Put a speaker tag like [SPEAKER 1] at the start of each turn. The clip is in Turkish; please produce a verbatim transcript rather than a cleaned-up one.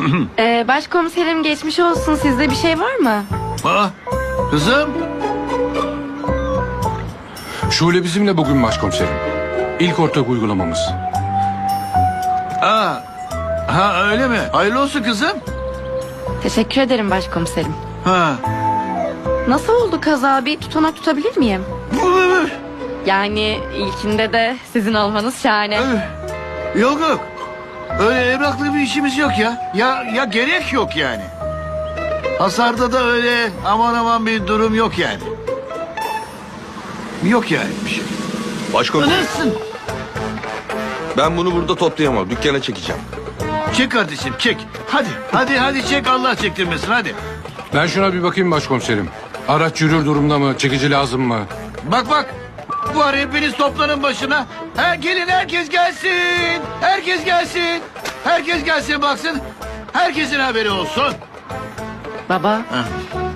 [SPEAKER 1] Ee, başkomiserim geçmiş olsun. Sizde bir şey var mı?
[SPEAKER 2] Aa, kızım.
[SPEAKER 3] Şule bizimle bugün başkomiserim. İlk ortak uygulamamız.
[SPEAKER 2] Aa, ha öyle mi? Hayırlı olsun kızım.
[SPEAKER 1] Teşekkür ederim başkomiserim.
[SPEAKER 2] Ha.
[SPEAKER 1] Nasıl oldu kaza? Bir tutanak tutabilir miyim? Yani ilkinde de sizin olmanız şahane.
[SPEAKER 2] Yok yok. Öyle evraklı bir işimiz yok ya. Ya ya gerek yok yani. Hasarda da öyle aman aman bir durum yok yani. Yok yani bir şey.
[SPEAKER 4] Başkomiserim,
[SPEAKER 2] Anasın.
[SPEAKER 4] ben bunu burada toplayamam. Dükkana çekeceğim.
[SPEAKER 2] Çek kardeşim çek. Hadi hadi hadi çek, Allah çektirmesin hadi.
[SPEAKER 3] Ben şuna bir bakayım başkomiserim. Araç yürür durumda mı? Çekici lazım mı?
[SPEAKER 2] Bak bak. Var, hepiniz toplanın başına. Ha, gelin herkes gelsin. Herkes gelsin. Herkes gelsin baksın. Herkesin haberi olsun.
[SPEAKER 1] Baba,
[SPEAKER 2] Ha.